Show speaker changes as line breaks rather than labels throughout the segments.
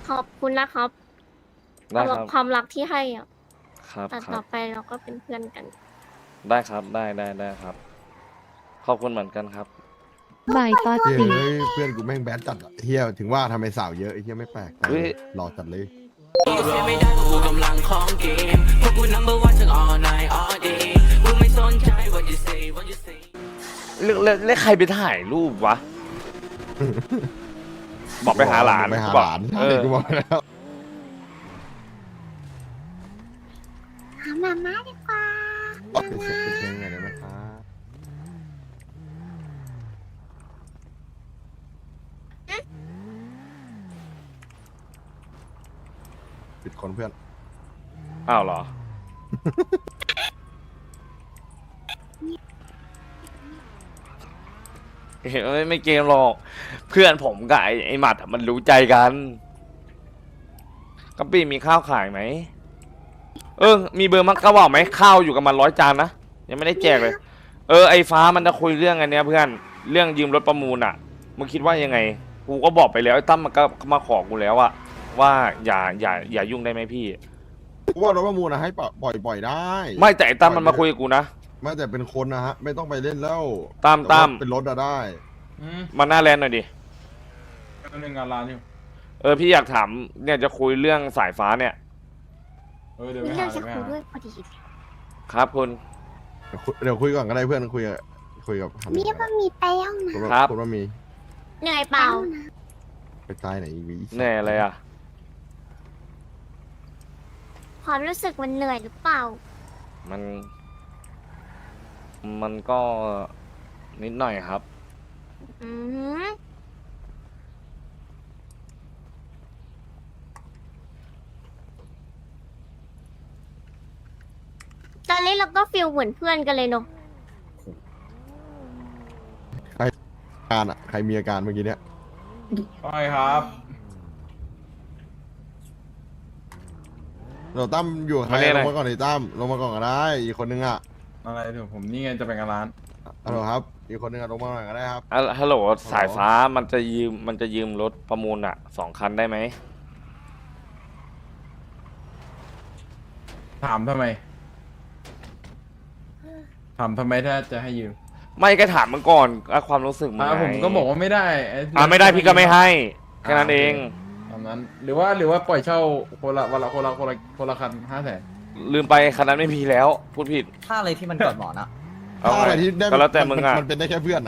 ขอบคุณนะครับ
ได้ค
สำหรับ
รับ
ความรักที่ให้อ่ะ
ครับ
แต่ต่อ
ครับ
ไปเราก็เป็นเพื่อนกัน
ได้ครับได้ครับ ขอบคุณเหมือนกันครับ
บายตอ
เฮ้
ติ
ยเพื่อนกูแม่งแบดจัดอะเฮียถึงว่าทำไมสาวเยอะไอ้เฮียไม่แปลกใจ
เฮ้ย
หล่อจัดเลย
เสียไม่ได้เพราะกูกำลังของเกมเพราะกู number one ทั้ง all night all day กูไม่สนใจ what you say what you say
แล้วใครไปถ่ายรูปวะ บอกไปหาหลาน
ไปหา
บอ
ห
ก
ลาน
เออ
กูบอกแล้ว
หามาม่าดีกว่า
ไปเสร็จเป็นยังไงได้ไหมครับปิดคนเพื่อน
อ้าวเหรอ เห็นไม่เกมหรอก เพื่อนผมกับไอ้หมัดอะมันรู้ใจกันกัปปี้มีข้าวขายไหม มีเบอร์มักกะว่าไหมข้าวอยู่กับมัน100 จานนะ ยังไม่ได้แจกเลย ไอ้ฟ้ามันจะคุยเรื่องอันเนี้ยเพื่อน เรื่องยืมรถประมูลอ่ะ มึงคิดว่ายังไง กูก็บอกไปแล้วไอ้ตั้มมันก็มาขอกูแล้วอะว่าอย่ายุ่งได้ไหมพี่
กูว่ารถประมูลนะให้ปล่อยได้
ไม่แต่ไอ้ตั้มมันมาคุยกับกูนะ
ไม่แต่เป็นคนนะฮะ ไม่ต้องไปเล่นแล้ว
ตั้ม
แต่ว่าเป็นรถอะได้
มาหน้าแลนด์หน่อยดิ
หนึ่งงานร้านอยู่
พี่อยากถามเนี่ยจะคุยเรื่องสายฟ้าเนี่ย
เดี๋ยว
มี
ไป
เรื่
หา
องจะ
เดี๋ยวไป
คุย
หา
ด้วยพอดี
ครับคุณ
เดี๋ยวคุยก่อนก็ได้เพื่อนคุยกับ
มีว่ามีไปย่องนะครับ
คุณว่ามี
เหนื่อยเปล่า
ไปตายไหนอีกวี
แน่อะไรอ่ะ
ความรู้สึกมันเหนื่อยหรือเปล่า
มันก็นิดหน่อยครับ
อืมตอนนี้เราก็ฟีลเหมือนเพื่อนกันเลยเนาะ
อาการอะใครมีอาการเมื่อกี้เนี่ย
ใช่ครับ
เราตั้มอยู่กับใคร
มาเนี่ย
ล
อะไร
งมาก่อนไอ้ตั้มลงมาก่อนก็ได้อีกคนนึงอะ
อะไรเดี๋ยวผมนี่ไงจะไปงานร้าน
ฮัลโหลครับอีกคนนึงอะลงมาหน่อยก็ได้ครับ
ฮัลโหลสายฟ้ามันจะยืมรถประมูลอ่ะ2 คันได้ไหม
ถามทำไมถ้าจะให้ยืม
ไม่ก็ถามมันก่อนความรู้สึกมึงไง
ผมก็บอกว่าไม่ได้อ้
ไม่ได้พี่ก็ไม่ให้แค่นั้นเอง
ตามนั้นหรือว่าปล่อยเช่าคนละวันละคนละคัน500,000
ลืมไปคันนั้นไม่มีแล้ว พูดผิด
ถ้าอะไรที่มันกอดหมอนอะ
เอา
ถ้าอะไร
ไง
ที่ได้
ก็แล้วแต่มึงอ่ะ
มันเป็นได้แค่เพื่อนอะ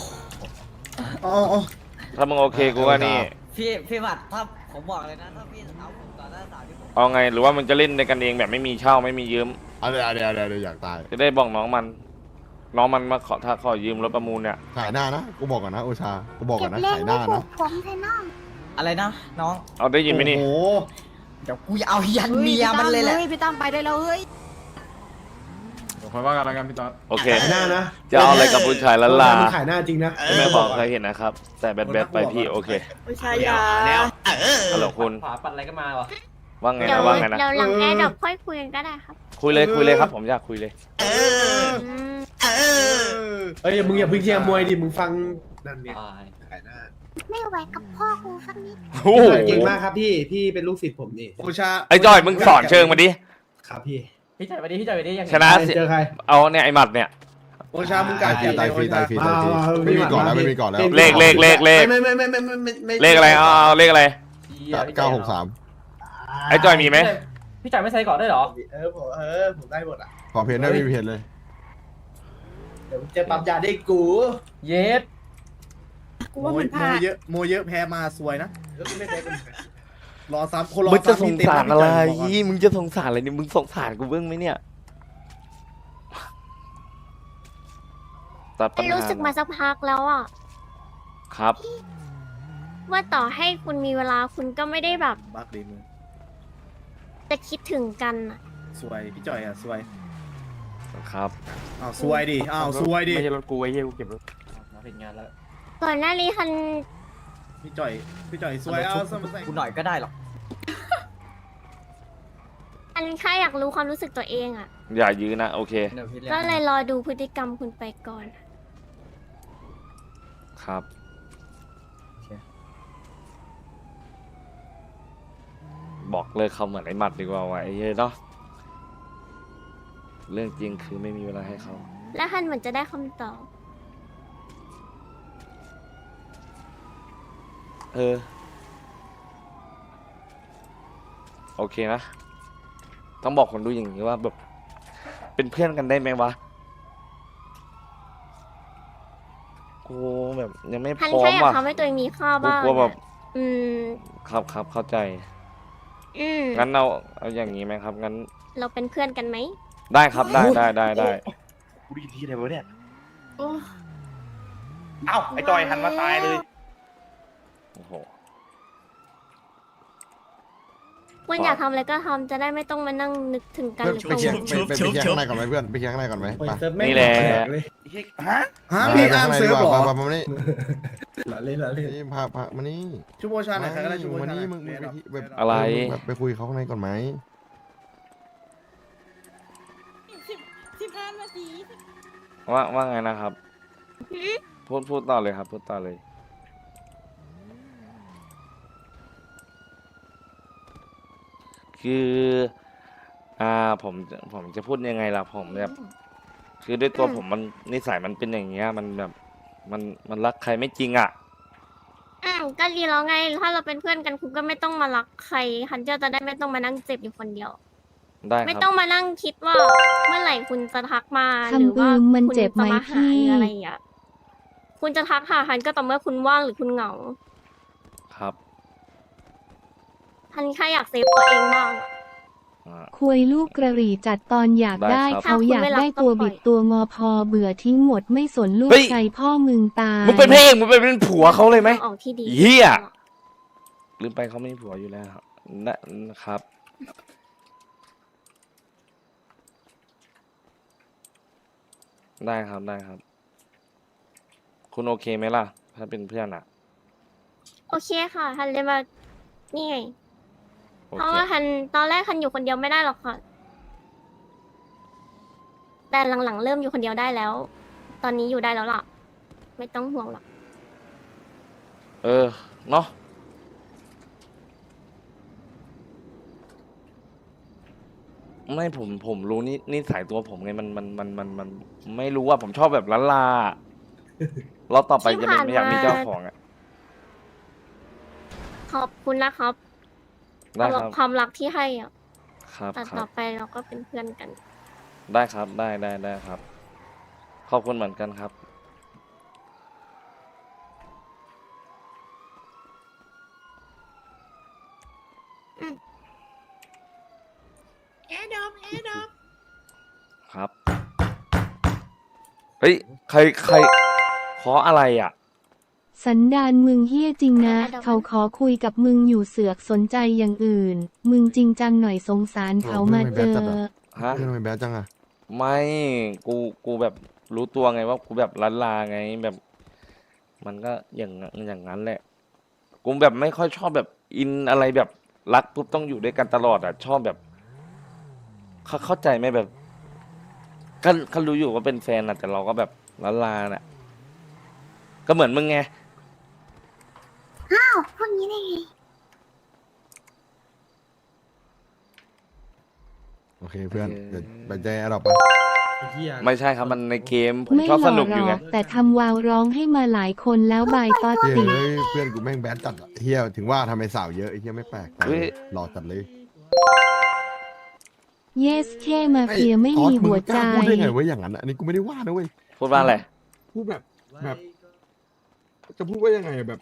ถ้ามึงโอเคกูว่านี่
พี่หมัดถ้าผมบอกเลยนะ ถ้าพี่เอาผมต่อหน้าสาวที่ผม
เอาไงหรือว่ามึงจะเล่นในกันเองแบบไม่มีเช่าไม่มียืม
เดี๋ยวอยากตาย
จะได้บอกน้องมันมาถ้าขอยืมรถประมูลเนี่ย
ขายหน้านะกูบอกก่อนนะโอชากูบอกก่อนนะขายหน้านะ
ผมใช่น้อง
อะไรนะ น้อง
เอาได้ยินไหมนี่
เดี๋ยวกูจะเอายันเมียมันเลยแหละ
พี่ตั้มไปได้แล้วเฮ้ย
เดี๋ยวค่อยว่ากันแล้วกันพี่ต๊อด
โอเค
ขายหน้านะ
จะเอาอะไรกับผู้ชายละลา
มันขายหน้าจริงนะ
ไม่บอกใครเห็นนะครับ แต่แบดไปพี่โอเค
ไม่ใช่ยา
ฮัลโหลคุณ
ขวาปัดอะไรก็มาวะ
ว่าไง
เดี๋ยว
นะว่าไงนะ
เดี๋ยวหลังแอร์ดรอปค่อยคุยกันก็ได้ครับ
คุยเลยครับ ผมอยากคุยเลย
อืม
เอ้ยมึงอย่าเพิ่งเชียร์มวยดิมึงฟังนั่นเนี่ยขายหน้า
ไม่ไหวกับพ่อกูสักนิด
โอ้โห
เก่งมากครับพี่เป็นลูกศิษย์ผมนี่โอชา
ไอ้จอยมึงสอนเชิงมาดิ
ครับพี่
พี่จ่ายไปดิยังไง
ชนะสิ
เจอใคร
เอาเนี่ยไอ้หมัดเนี่ย
โอชามึงกา
ตายฟรีตายฟรีไม่มีก่อนแล้วไม่มีก่อนแล้ว
เลข
ไม่
เลขอะไรเอาเลขอะไร
963
ไอ้จอยมีไหม
พี่จ่ายไม่ใส่ก่อนได้หรอ
ผมได้หมดอ่ะ
ขอเพนได้ไม่มีเพนเลย
เดี๋ยวจะปรับยาได้กู
เย็ด
กูว่ามันพลาด
โมเยอะแพ้มาสวยนะไม่แพ้รอซ้ำคนรอ
มึงจะส
ซ้ำ
ง
นี่เต็ม
สาร
นะ
อะไร
พี่จย
มึงจะสงสารอะไรนี่มึงสงสารกูเบื้องไหมเนี่ยตัดปัญ
ไม่
หา
รู้สึกมาสักพักแล้วอ่ะ
ครับ
ว่าต่อให้คุณมีเวลาคุณก็ไม่ได้แบบ
บักดีมึง
จะคิดถึงกันอะ
สวยพี่จอยอ่ะสวย
ครับ
อ้าวสวยดิอ้าวสวยดิ
ไม่ใช่รถกูไอ้เหี้ยกูเก็บรถ
มาถึงงานแล้ว
ก่อนหน้านี้คัน
พี่จอยสวยเอาสมใส่
กูหน่อยก็ได้หรอก
อันแค่อยากรู้ความรู้สึกตัวเองอ่ะ
อย่ายื้อนะโอเค
เดี๋ยวพี่
ก็เลยรอดูพฤติกรรมคุณไปก่อน
ครับบอกเลิกเขาเหมือนไอ้หมัดดีกว่าว่ะไอ้เหี้ยเนาะเรื่องจริงคือไม่มีเวลาให้เขา
แล้วฮันเหมือนจะได้คำตอบ
เออ โอเคนะ ต้องบอกคนดูอย่างนี้ว่าแบบ เป็นเพื่อนกันได้ไหมวะกูแบบยังไม่พ
ฮัน
ร้อ
แค่
ม
อยาก
ว่ะ
ทำให้ตัวเองมีค่า
กู
บ้าง
กลัวแบบ
อืม
ครับเข้าใจ
อืม
งั้นเอาอย่างนี้ไหมครับ งั้น
เราเป็นเพื่อนกันไหม
ได้ครับได้
กูได้ยินที่อะไรวะเนี่ย
โอ้
เอ้าไอ้จอยหันมาตายเลย
โอ้โห
คุณอยากทำอะไรก็ทำจะได้ไม่ต้องมานั่งนึกถึงกัน
เพื่อน
หรือ
ไป
กัง
เคลียร์
วล
ไปเคลียร์ข้างในก่อนไหมเพื่อนไปเคลียร์ข้างในก่อนไหม
โอ้ย
ไป
เซิร์ฟแม่ง
นี่แหละ
ปกเลย
เฮ้ยฮะ
ฮะพี่
ไป
อาร์ม
ข้างใน
เซิร์ฟ
ดีก
เหร
ว่า
อ
มานี่
ละเล่นละเล่น
นี่พามานี่
ชูโบชาหน่อยใครก็ได้ชูโบ
มา
ชาหน่
นี่
อย
มึงไปที่แบบ
อะไร
แบบไปคุยเขาข้างในก่อนไหม
15 นาที
ว่าไงนะครับ พูดต่อเลยครับพูดต่อเลย คือผมจะพูดยังไงล่ะผมแบบคือด้วยตัวผมมันนิสัยมันเป็นอย่างเงี้ยมันแบบมันรักใครไม่จริงอ่ะ
ก็ดีแล้วไง ถ้าเราเป็นเพื่อนกันคุณก็ไม่ต้องมารักใครฮันเจ้าจะได้ไม่ต้องมานั่งเจ็บอยู่คนเดียว
ได้ค
ไม่
รับ
ต้องมานั่งคิดว่าเมื่อไหร่คุณจะทักมาห
คำ
รือว่า
อืมมัน
คุณ
เจ็บไหม
จะมาหา
พี่
หรืออะไรอย่างเงี้ยคุณจะทักหาฮันก็ต่อเมื่อคุณว่างหรือคุณเหงา
ครับ
ฮันแค่อยากเซฟตัวเองบ้างอะ
อ่า
คุยลูกกระหรี่จัดตอนอยาก
ได้
ได้
ครับ
เขาอยากได้ตัวบิดตัวงอพอเบื่อทิ้งหมดไม่สนลูก
เฮ้ย
ใครพ่อมึงตาย
มึงเป็นพระเอกมึงเป็นผัวเขาเลยไหม
ออกที่ดี
เหี้ย ลืมไปเขาไม่มีผัวอยู่แล้วนะครับ ได้ครับ คุณโอเคไหมล่ะ ถ้าเป็นเพื่อนอ่ะ
โอเคค่ะฮันเลยมานี่ไง
โอ
เพราะ
เค
ว่าฮันตอนแรกฮันอยู่คนเดียวไม่ได้หรอกค่ะ แต่หลังๆเริ่มอยู่คนเดียวได้แล้ว ตอนนี้อยู่ได้แล้วล่ะ ไม่ต้องห่วงหรอก
เออ เนาะไม่ผมรู้นี่สายตัวผมไงมันไม่รู้ว่าผมชอบแบบล้านลาเราต่อไปจะไม่อยากมีเจ้าของอ่ะ
ขอบคุณนะครับ
ได้
สำห
ค
รับ
รับ
ความรักที่ให้อ่ะ
ครับ
แต่
ค
ต่
รั
อบ ไปเราก็เป็นเพื่อนกัน
ได้ครับได้ครับ ขอบคุณเหมือนกันครับ
แอร์ดอม
ครับ เฮ้ย ใครขออะไรอ่ะ
สันดานมึงเฮี้ยจริงนะ
เดี๋ยว
เขาขอคุยกับมึงอยู่เสือกสนใจอย่างอื่น มึงจริงจังหน่อยสงสารเขามาเจอ
ฮะ
เพื่อนทำไมแบดจังอะ
ไม่กูแบบรู้ตัวไงว่ากูแบบล้านลาไงแบบ มันก็อย่างนั้นแหละ กูแบบไม่ค่อยชอบแบบอินอะไรแบบรักปุ๊บต้องอยู่ด้วยกันตลอดอ่ะ ชอบแบบ เข้าใจไหมแบบเขารู้อยู่ว่าเป็นแฟนอ่ะ แต่เราก็แบบล้านลาน่ะ ก็เหมือนมึงไง
พวกนี้ได้ไง
โอเคเพื่อน
โอเค
เดี๋ยวไปใจแอร์ดรอปไป
ไอ้เหี้ย
ไม่ใช่ครับมันในเกมผม
ไม่
ชอบ
หล่
ส
อ
นุก
ห
อ
ร
ยู่
อ
ไง
กแต่ทำวาวร้องให้มาหลายคนแล้วบายตอด
เฮ้ย
ติ
เพื่อนกูแม่งแบดจัดอะเฮียถึงว่าทำไมสาวเยอะไอ้เฮียไม่แปลกใจ
เฮ้ย
หล่อจัดเลย
เยสเคมาเฟียไม่มีหัวใจ
พูดได้ไงเว้ยอย่างนั้นอะอันนี้กูไม่ได้ว่านะเว้ย
พูดว่าอะไร
พูดแบบจะพูดว่ายังไงแบบ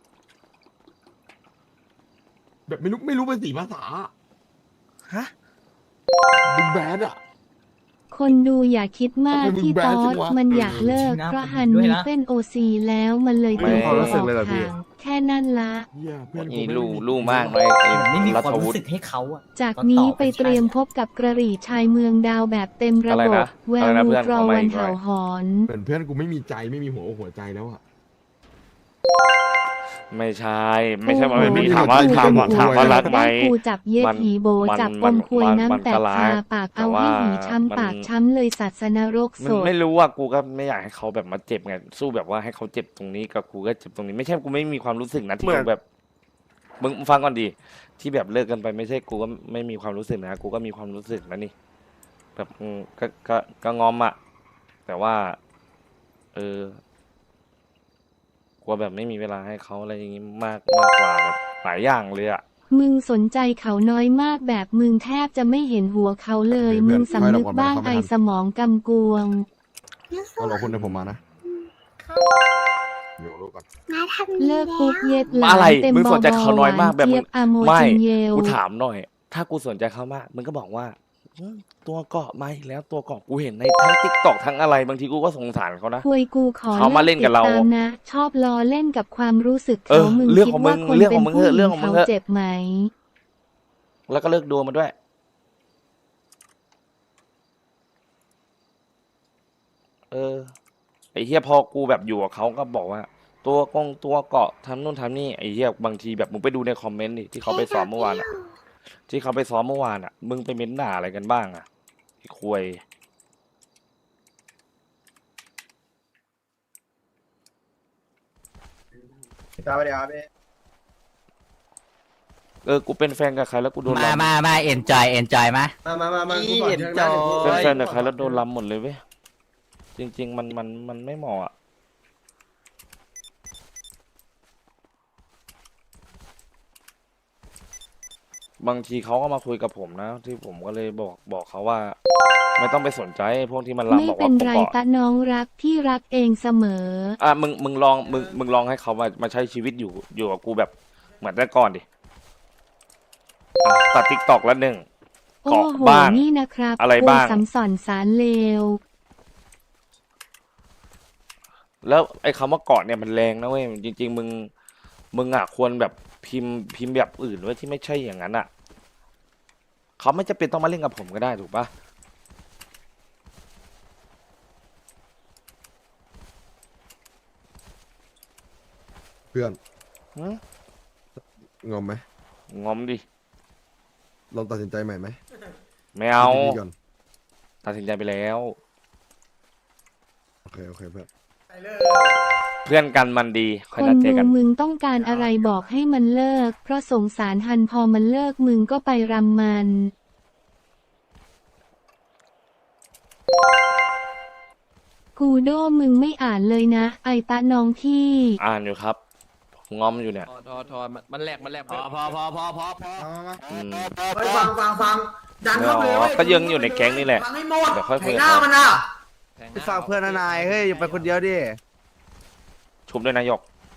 แบบไม่รู้เป็นสีภาษา
ฮะ
มึงแบดอะ
คนดูอย่าคิดมาก
ทำไมมึง
ที่
แบ
ต
น
อ
จั
ด
งวะ
มันอยากเลิก เพราะฮันมีเส้นโอซีแล้วมันเลย
ไม่
ตีตัวออกห่างแค่นั้นละ
เฮียเพื่อนกู
นี่
ไม่
ลู่มากเลยไอ้
ไม่มี
รั
ความ
ฐวุ
รู้
ฒิ
สึกให้เขาอะ
จากนี้ไปเตรียมพบกับกระหรี่ชายเมืองดาวแบบเต็มระ
อะไร
บบ
นะ
แว
อะไร
ว
นะ
ลู
เพื่อน
กรอ
ขอมา
วัน
อีกหน่อย
เห่าหอน
เหมือนเพื่อนกูไม่มีใจไม่มีหัวใจแล้วอะ
ไม่ใช่ว่าไม่มี
โอ้โห
ถามว่า
ไม่มี
ถามว่ารักไหม
ได้กูจับเย็ด
มัน
หีโบ
มัน
จับ
มั
อน มคุย
มัน
น้ำแต
มันก็
ก
ร้า
คาย ปาก
แต่
เอาให้
ว่า
หีช้ำ
มัน
ปากช้ำเลยศาสนรก
มั
ส
น
ด
ไม่รู้ว่ากูก็ไม่อยากให้เขาแบบมาเจ็บไงสู้แบบว่าให้เขาเจ็บตรงนี้กับกูก็เจ็บตรงนี้ ไม่ใช่กูไม่มีความรู้สึกนะที่กูแบบมึงฟังก่อนดิที่แบบเลิกกันไปไม่ใช่กูก็ไม่มีความรู้สึกนะกูก็มีความรู้สึกนะนี่แบบก็งอมอะแต่ว่ากลัวแบบไม่มีเวลาให้เขาอะไรอย่างงี้มากกว่าแบบหลายอย่างเลยอะ
มึงสนใจเขาน้อยมากแบบมึงแทบจะไม่เห็นหัวเขาเลย
เพื่
มึ
อน
งสำนึกบ้าง
ไม่
ไอ
ทัน
สมองกำกวง
ก็รอคุณให้ผมมานะเดี๋ยวรู้ก่อน
มาทำ
เลิกปุ๊บเย็ดหลา
อะไร
นเต็ม
มึง
บ
ส
อน
ใจเขาน้อยมากแบบ
เจี๊
มึ
ย
ง
บอาโม
ไม่
จินเยล
กูถามหน่อย ถ้ากูสนใจเขามากมึงก็บอกว่าตัวเกาะมาอีกแล้วตัวเกาะกูเห็นในทั้งติ๊กตอกทั้งอะไรบางทีกูก็สงสารเขานะ
คุยกูขอ
เขามาเล่นกับเรา
ติดตมนะ ชอบล้อเล่นกับความรู้สึก
เอ
เขา
อ
มึง
เรื่อง
คิด
ของมึ
ว่าง คน
เรื่อง
เป็
ข
น
องมึง
ผู้
เถอะ
ห
เรื่
ญิ
อง
ง
ของมึ
เขา
งเถอะ
เจ็บไหม
แล้วก็เลิกดูมันด้วย ไอ้เฮียพอกูแบบอยู่กับเขาก็บอกว่า ตัวเกาะทำนู่นทำนี่ไอ้เฮียบางทีแบบมึงไปดูในคอมเมนต์ดิที่เขาไปซ้อมเมื่อวานอะที่เขาไปซ้อมเมื่อวานอะมึงไปเม้นด่าอะไรกันบ้างอะไอ้ควย
ตามไปเดี๋ยวพี่
กูเป็นแฟนกับใครแล้วกูโดน
มา
ล้ำ
มาเอ็นจอยมา
มากูก่อนเชิงนะ
เป็นแฟนกับใครแล้วโดนล้ำหมดเลยเว้ยจริง ๆ มันไม่เหมาะอะบางทีเขาก็มาคุยกับผมนะ ที่ผมก็เลยบอกเขาว่า ไม่ต้องไปสนใจพวกที่มันล้ำ
ไม่
บอก
เป็
ว่าน ผม
ไร
เกาะ
ตะน้องรักพี่รักเองเสมอ
มึงลองให้เขามาใช้ชีวิตอยู่กับกูแบบเหมือนแต่ก่อนดิตัดติ๊กตอกละหนึ่ง
โอ้
เกาะ
โห
บ้าง
นี่นะครับ
อะไรบ้าง
กูสำสอนสารเลว
แล้วไอ้คำว่าเกาะเนี่ยมันแรงนะเว้ยจริง ๆ มึงอ่ะควรแบบพิมพ์แบบอื่นไว้ที่ไม่ใช่อย่างนั้นอ่ะเขาไม่จำเป็นต้องมาเล่นกับผมก็ได้ถูกปะ
เพื่อน
หืม
งอมไหม
งอมดิ
ลองตัดสินใจใหม่ไหม
ไม่เอา
คิดดีๆก่อน
ตัดสินใจไปแล้ว
โอเคเพื่อน
เพื่อนกันมันดีค
ค
อย
น
นัดเจอ
ดู
กัน
มึงต้องการอะไรบอกให้มันเลิก เพราะสงสารฮันพอมันเลิกมึงก็ไปรำมัน กูโดมึงไม่อ่านเลยนะ ไอตะน้องพี่
อ่านอยู่ครับงอมอยู่เนี่ย
ทอมันแหลกพอ
อืม
ไปฟังดันเข้าไปเลยเว้ย
ก็ยังอยู่ในแก๊งนี่แหละ
ฟังให้หมด
เดี๋ยวค่อยคุย
ไถ
กับ
หน้า
เขา
มันอ่ะ
ไปฝากเพื่อนนายเฮ้ยอย่าไปคนเดียวดิ
ชุบด้วยนายก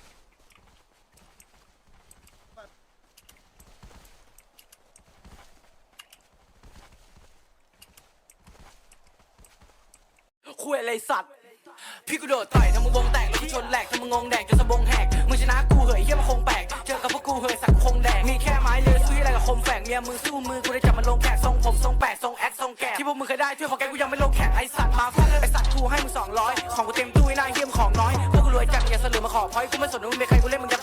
คุยอะไรสัตว์ พี่กูโดดต่อยทำมึงวงแตกแล้วกูชนแหลกทำมึงงงแดกจนสะบงแหกมึงชนะกูเหยเหี้ยมันคงแปลกเจอกับพวกกูเหยสักคงแดกมีแค่ไม้เลือยซื้ออะไรกับคมแฝกเมียมึงสู้มือกูได้จับมันลงแขกทรงผมทรงแปดทรงแอคทรงแกะที่พวกมึงเคยได้ช่วยของแกกูยังไม่ลงแขกไอสัตว์มาฟาดไอสัตว์กูให้มึง200ของกูเต็มตู้ไอ้หน้าเหี้ยมของน้อยพวกกูรวยจัดอย่าเสลือมาขอพอยกูไม่สนว่ามึงเป็นใครกูเล่นมึง